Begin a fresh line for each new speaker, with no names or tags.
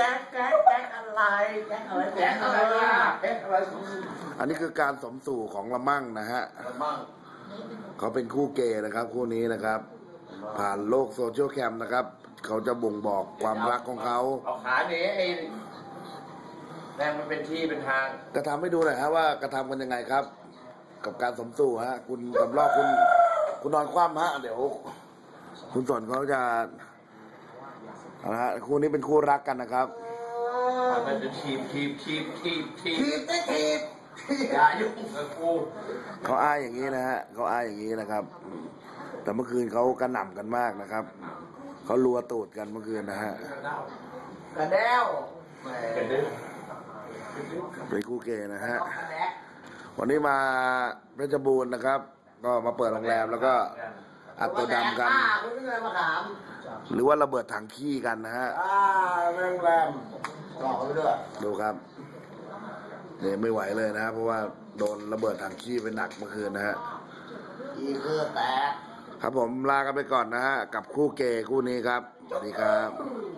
ก๊กอะไรแก๊กอะไรแก๊กอะไรแก๊กอะไร
อันนี้คือการสมสู่ของละมั่งนะฮะ
ละมั่ง
เขาเป็นคู่เกย์นะครับคู่นี้นะครับผ่านโลกโซเชียลแคมนะครับเขาจะบ่งบอกความรักของเขา
เอาขาหนีไอ้แม่งมันเป็นที่เป็นทาง
กระทำให้ดูหน่อยฮะว่ากระทำกันยังไงครับกับการสมสู่ฮะคุณกำลอกคุณนอนคว่ำฮะเดี๋ยวคุณสนเขาจะนะฮะคู่นี้เป็นคู่รักกันนะครับ
มันเป็นทีบอย่ายุ่งกับกู
เขาอ้ายอย่างนี้นะฮะเขาอ้ายอย่างนี้นะครับแต่เมื่อคืนเขากระหน่ำกันมากนะครับเขารัวตูดกันเมื่อคืนนะฮะ
กระเด้ว
เป็นคู่เกย์นะฮะวันนี้มาเพชรบูรณ์นะครับก็มาเปิดโรงแรมแล้วก็อัดตัวดำกันหรือว่าระเบิดถังขี้กันนะฮะ
โรงแรมหลอกไปด้วย
ดูครับเนี่ยไม่ไหวเลยนะเพราะว่าโดนระเบิดถังขี้ไปหนักเมื่อคืนนะฮะ
ขี้คือแตก
ครับผมลากันไปก่อนนะฮะกับคู่เกย์คู่นี้ครับสวัสดีครับ